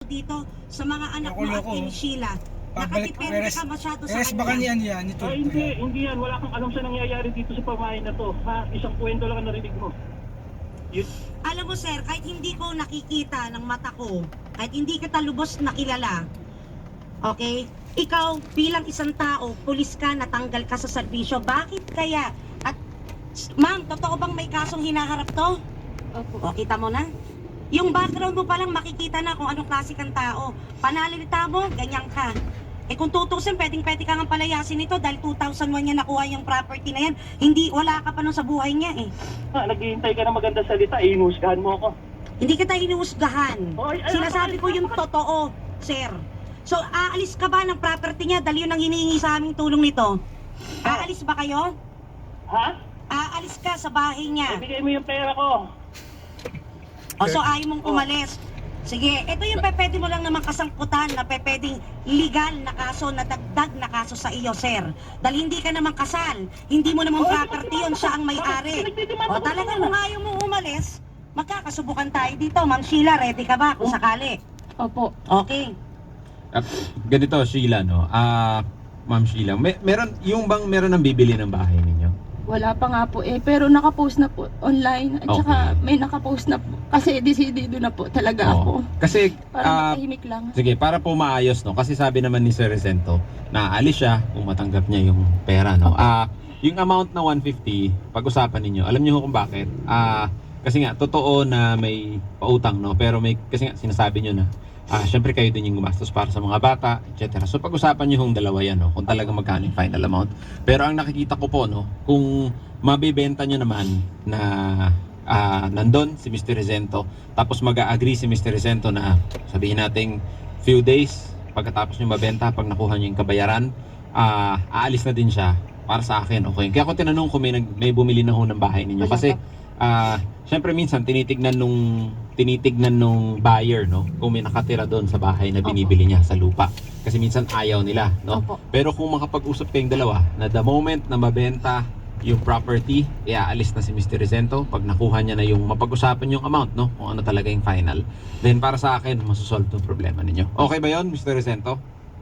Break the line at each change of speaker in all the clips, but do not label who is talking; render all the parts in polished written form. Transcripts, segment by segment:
dito sa mga anak mo at
Loko-loko.
kay Sheila.
Pabalik,
Nakatipente ka masyado sa
baka
kanya.
niyan yan, ito.
Hindi yan. Wala kang alam sa nangyayari dito sa pamahay na to. Ha? Isang kwento lang ang narinig mo.
Alam mo sir, kahit hindi ko nakikita ng mata ko, kahit hindi kita lubos nakilala, okay? Ikaw bilang isang tao, pulis ka, natanggal ka sa serbisyo, bakit kaya? At ma'am, totoo bang may kasong hinaharap to?
Opo.
O, kita mo na? Yung background mo palang makikita na kung anong klase kang tao. Panalita mo, ganyan ka. Eh kung tutusin, pwedeng-pwede ka nga palayasin ito dahil 2001 niya nakuha yung property na yan. Hindi, wala ka pa nun sa buhay niya eh.
Naghihintay ka ng maganda salita. Inusgahan mo ako.
Hindi kita hinuhusgahan. Sinasabi ko yung totoo, sir. So, aalis ka ba ng property niya dahil yun ang hinihingi sa aming tulong nito? Aalis ba kayo?
Ha?
Aalis ka sa bahay niya.
Ibigay mo yung pera ko.
O so ayaw mong umalis. Sige, ito yung pwede mo lang naman kasangkutan na pwedeng legal na kaso, na dagdag na kaso sa iyo, sir. Dahil hindi ka naman kasal, hindi mo naman property yun, siya ang may-ari. O talagang kung ayaw mo umalis, magkakasubukan tayo dito. Ma'am Sheila, ready ka ba kung sakali?
Opo.
Okay.
At ganito Sheila, no? Ma'am Sheila, meron ng bibili ng bahay ninyo?
Wala pa nga po pero nakapost na po online at saka
Okay.
may nakapost na po kasi decidido na po talaga ako.
Kasi
Para matahimik lang.
sige, para po maayos, no? Kasi sabi naman ni Sir Resento, na aalis siya kung matanggap niya yung pera, no? Yung amount na 150, pag-usapan ninyo. Alam niyo kung bakit? Kasi nga totoo na may pautang, no? Pero kasi nga sinasabi niyo na syempre kayo din yung gumastos para sa mga bata, etc. So pag-usapan niyo yung dalawa yan, no? Kung talaga magkano yung final amount. Pero ang nakikita ko po, no, kung mabibenta niyo naman na nandun si Mr. Resento, tapos mag-agree si Mr. Resento na sabihin nating few days pagkatapos niyo mabenta, pag nakuha niyo yung kabayaran, aalis na din siya. Para sa akin, okay. Kaya ako tinanong kung may bumili na ho ng bahay ninyo. Kasi syempre minsan tinitignan nung buyer, no, kung may nakatira doon sa bahay na binibili niya sa lupa. Kasi minsan ayaw nila, no.
Opo.
Pero kung makapag-usap kayong dalawa na the moment na mabenta yung property, aalis na si Mr. Resento. Pag nakuha niya na yung mapag-usapan yung amount, no, kung ano talaga yung final, then para sa akin masosolve yung problema ninyo. Okay ba yon, Mr. Resento?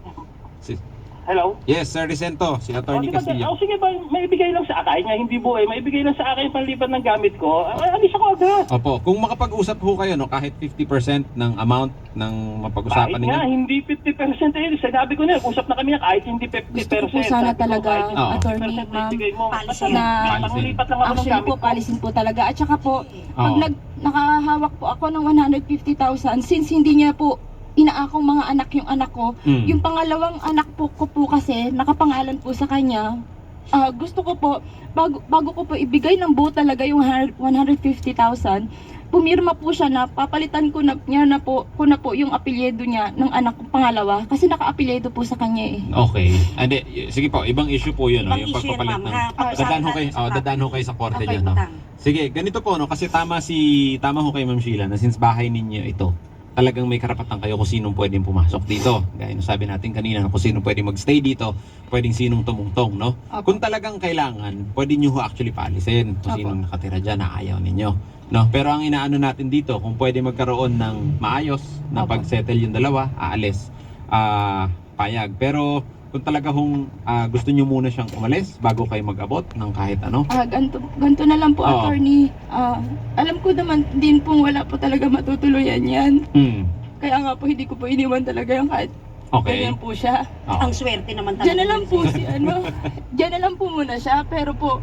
Hello?
Yes, Sir Resento, si Attorney Castillo.
Sige ba, maibigay lang sa akin. Hindi buhay. Maibigay lang sa akin panlipat ng gamit ko. Alis ako agad.
Opo, kung makapag-usap ho kayo, no, kahit 50% ng amount ng mapag-usapan
Kahit nga,
ninyo.
hindi 50% Sinabi ko na, usap na kami na kahit hindi 50%.
Gusto ko po sana
Sabi ko,
talaga,
kahit hindi
attorney,
50%
ma'am,
ibigay mo.
policy
Basta
na-
panglipat lang ako ng
Actually
gamit
po,
ko.
palisin po talaga. At saka po, pag
Oo.
nakahawak po ako ng 150,000, since hindi niya po inaakong mga anak yung anak ko, yung pangalawang anak po ko po kasi, nakapangalan po sa kanya, gusto ko po, bago ko po ibigay ng buo talaga yung 150,000, pumirma po siya na papalitan ko na yung apelyido niya ng anak kong pangalawa kasi naka-apelyido po sa kanya eh.
Okay. Hindi, sige po, ibang issue po yun, no,
Ibang
yung
issue yun,
pagpapalit
ma'am,
ng...
ha?
Dadaan ho kayo,
Pag-usapan natin sa
dadaan ho kayo sa korte
Okay,
dyan, no?
utang.
Sige, ganito po, no, kasi tama ho kay Ma'am Sheila na since bahay ninyo ito, talagang may karapatan kayo kung sinong pwedeng pumasok dito. Gaya ng sabi natin kanina, kung sinong pwedeng magstay dito, pwedeng sinong tumungtong, no?
Opo.
Kung talagang kailangan, pwede nyo ho actually paalisin kung
Opo.
sinong nakatira dyan na ayaw ninyo. No? Pero ang inaano natin dito, kung pwede magkaroon ng maayos na
Opo.
pag-settle yung dalawa, aalis, payag. Pero kung talaga gusto nyo muna siyang umalis bago kayo mag-abot ng kahit ano,
Ganto na lang po,
Oo.
attorney. Alam ko naman din pong wala po talaga matutuluyan yan. Kaya nga po hindi ko po iniwan talaga yung kahit
okay.
ganyan po siya.
Oo.
Ang swerte naman talaga.
Diyan na lang po si diyan na lang po muna siya. Pero po,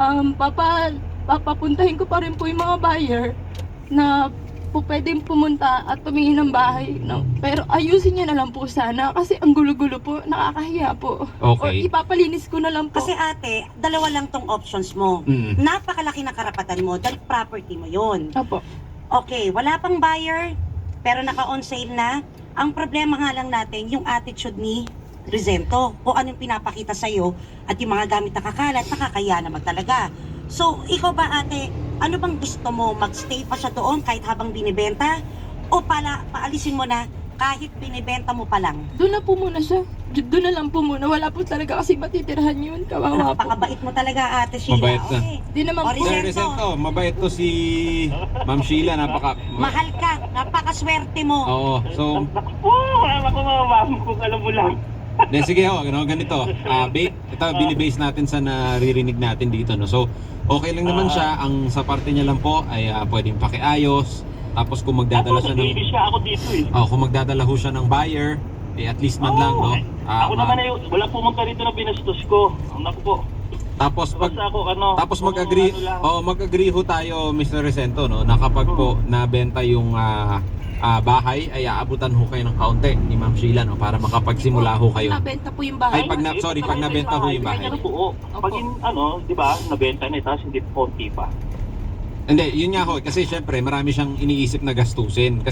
papapuntahin ko pa rin po yung mga buyer na po pwedeng pumunta at tumingin ng bahay. No? Pero ayusin niya na lang po sana kasi ang gulo-gulo po, nakakahiya po. O
Okay.
ipapalinis ko na lang po.
Kasi ate, dalawa lang tong options mo. Napakalaki na karapatan mo dahil property mo yun.
Opo.
Okay, wala pang buyer, pero naka-on sale na. Ang problema nga lang natin, yung attitude ni Resento. Kung anong pinapakita sa'yo at yung mga gamit na kakalat, nakakaya naman talaga. So, ikaw ba ate, ano bang gusto mo? Magstay pa siya doon kahit habang binibenta? O paalisin mo na kahit binibenta mo pa lang?
Doon na po muna siya. Doon na lang po muna. Wala po talaga kasi matitirahan yun. Kawawa po.
Napakabait mo talaga ate Sheila.
Mabait na.
Okay.
Di naman
O,
po.
Sir Resento, mabait to si Ma'am Sheila,
Mahal ka. Napakaswerte mo.
Oo. So,
Wala ko mga ma'am, kung alam mo lang.
sige ho, ganito. Ito binibase natin sa naririnig natin dito, no. So, okay lang naman siya. Ang sa parte niya lang po ay pwedeng pakiayos. Tapos kung magdadala siya ng
Nag-iinis siya ako dito eh.
kung magdadala ho siya ng buyer, at least man lang, no.
Ako naman ay wala pumunta rito na binastos ko. Naku po.
Tapos
Basta ako
mag-agree,
ano lang.
mag-agree ho tayo, Mr. Resento, no, na kapag po nabenta yung bahay ay aabutan ho kayo ng kaunti ni Ma'am Sheila, no, para makapagsimula ho kayo.
Nabenta po yung bahay.
Ay, pag nabenta ho yung bahay.
Ano po, pag di ba, nabenta na tapos hindi konti pa.
Hindi, yun nga ho, kasi syempre marami siyang iniisip na gastusin.